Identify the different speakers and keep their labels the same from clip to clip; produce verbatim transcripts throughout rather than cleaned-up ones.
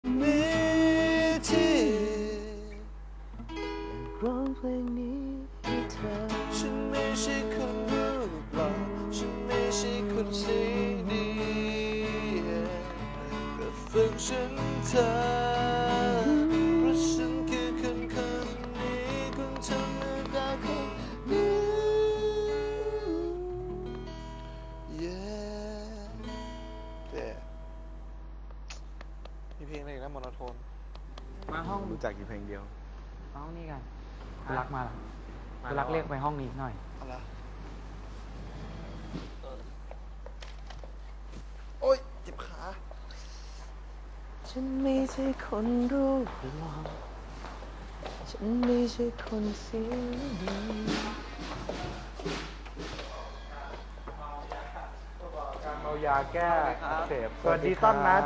Speaker 1: มีที่ร้องเพลงนี้ให้เธอฉันไม่ใช่คนรูปหล่อฉันไม่ใช่คนสีดีแต่ฝึกฉันเธอเพราะฉันคือคนคนนี้คนธรรมดาคนนี้ Yeah มีเพลงอะไรอีกนะโมโนโทน
Speaker 2: มาห้อง
Speaker 3: รู้จักอยู่เพลงเดียว
Speaker 2: ห้องนี้กันคุณรักมาแล้วคุณรักเรียกไปห้องนี้หน่อย
Speaker 1: เอาละโอ๊ยเจ็บขา ฉันไม่ใช่คนรูปหล่อฉันไม่ใช่คนเสียงดี
Speaker 3: การเมายาแก้อักเสบสวัสดีต้นนัด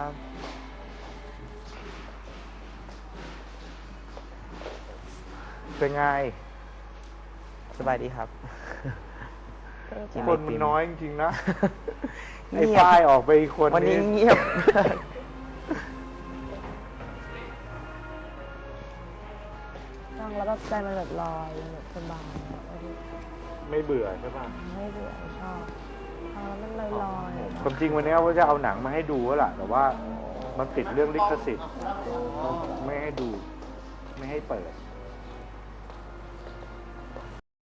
Speaker 3: เป็นไง
Speaker 4: สบายดีครับ
Speaker 3: คนมันน้อยจริงๆนะ
Speaker 4: เงี
Speaker 3: ไอ้
Speaker 4: ยบ
Speaker 3: ฝ้ายออกไปอีกคน
Speaker 4: วันนี้เงียบ
Speaker 5: ฟังแล้วแบบใจมันแบบลอยแบบสบาย
Speaker 3: ไม่เบื่อใช่ป่ะ
Speaker 5: ไม่เบื่อชอบฟังแล้วมันลอยลอย
Speaker 3: ความจริงวันนี้ว่าจะเอาหนังมาให้ดูแล้วล่ะ แต่ว่ามันติดเรื่องลิขสิทธิ์ไม่ให้ดู ไม่ให้เปิด